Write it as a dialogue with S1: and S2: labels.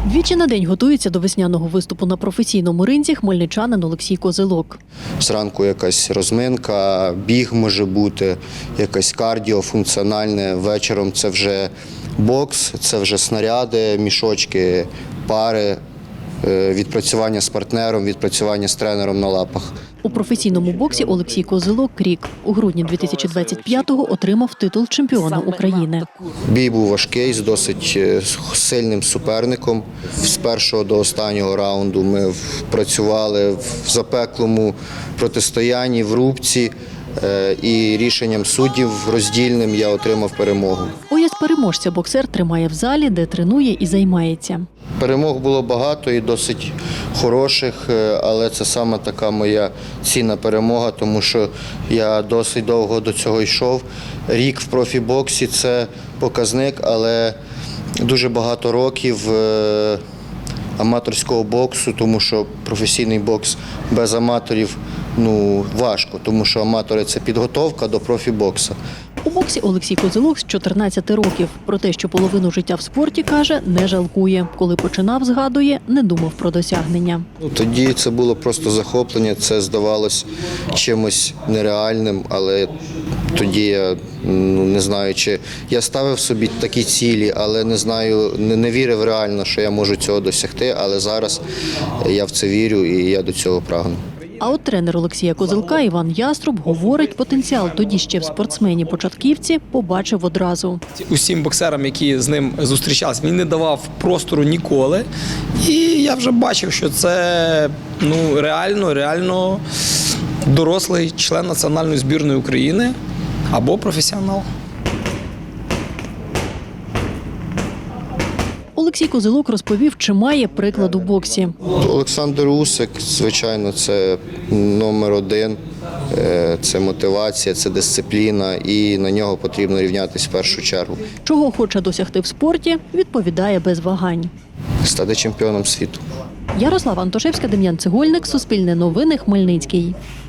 S1: Двічі на день готується до весняного виступу на професійному ринзі хмельничанин Олексій Козилок.
S2: Зранку якась розминка, біг може бути, якась кардіо, функціональне. Вечором це вже бокс, це вже снаряди, мішочки, пари, відпрацювання з партнером, відпрацювання з тренером на лапах.
S1: У професійному боксі Олексій Козилок рік. У грудні 2025-го отримав титул чемпіона України.
S2: Бій був важкий, з досить сильним суперником. З першого до останнього раунду ми працювали в запеклому протистоянні, в рубці. І рішенням суддів роздільним я отримав перемогу.
S1: Пояс переможця боксер тримає в залі, де тренує і займається.
S2: Перемог було багато і досить хороших, але це саме така моя цінна перемога, тому що я досить довго до цього йшов. Рік в профібоксі – це показник, але дуже багато років аматорського боксу, тому що професійний бокс без аматорів важко, тому що аматори – це підготовка до профібоксу.
S1: У боксі Олексій Козилок з 14 років. Про те, що половину життя в спорті, каже, не жалкує. Коли починав, згадує, не думав про досягнення.
S2: Тоді це було просто захоплення, це здавалось чимось нереальним, але тоді я не знаю, чи я ставив собі такі цілі, але не знаю, не вірив реально, що я можу цього досягти, але зараз я в це вірю і я до цього прагну.
S1: А от тренер Олексія Козилка Іван Яструб говорить, потенціал тоді ще в спортсмені-початківці побачив одразу.
S3: Усім боксерам, які з ним зустрічалися, він не давав простору ніколи. І я вже бачив, що це реально дорослий член національної збірної України або професіонал.
S1: Олексій Козилок розповів, чи має приклад у боксі.
S2: Олександр Усик, звичайно, це номер один, це мотивація, це дисципліна і на нього потрібно рівнятися в першу чергу.
S1: Чого хоче досягти в спорті, відповідає без вагань.
S2: Стати чемпіоном світу.
S1: Ярослава Антошевська, Дем'ян Цегольник, Суспільне новини, Хмельницький.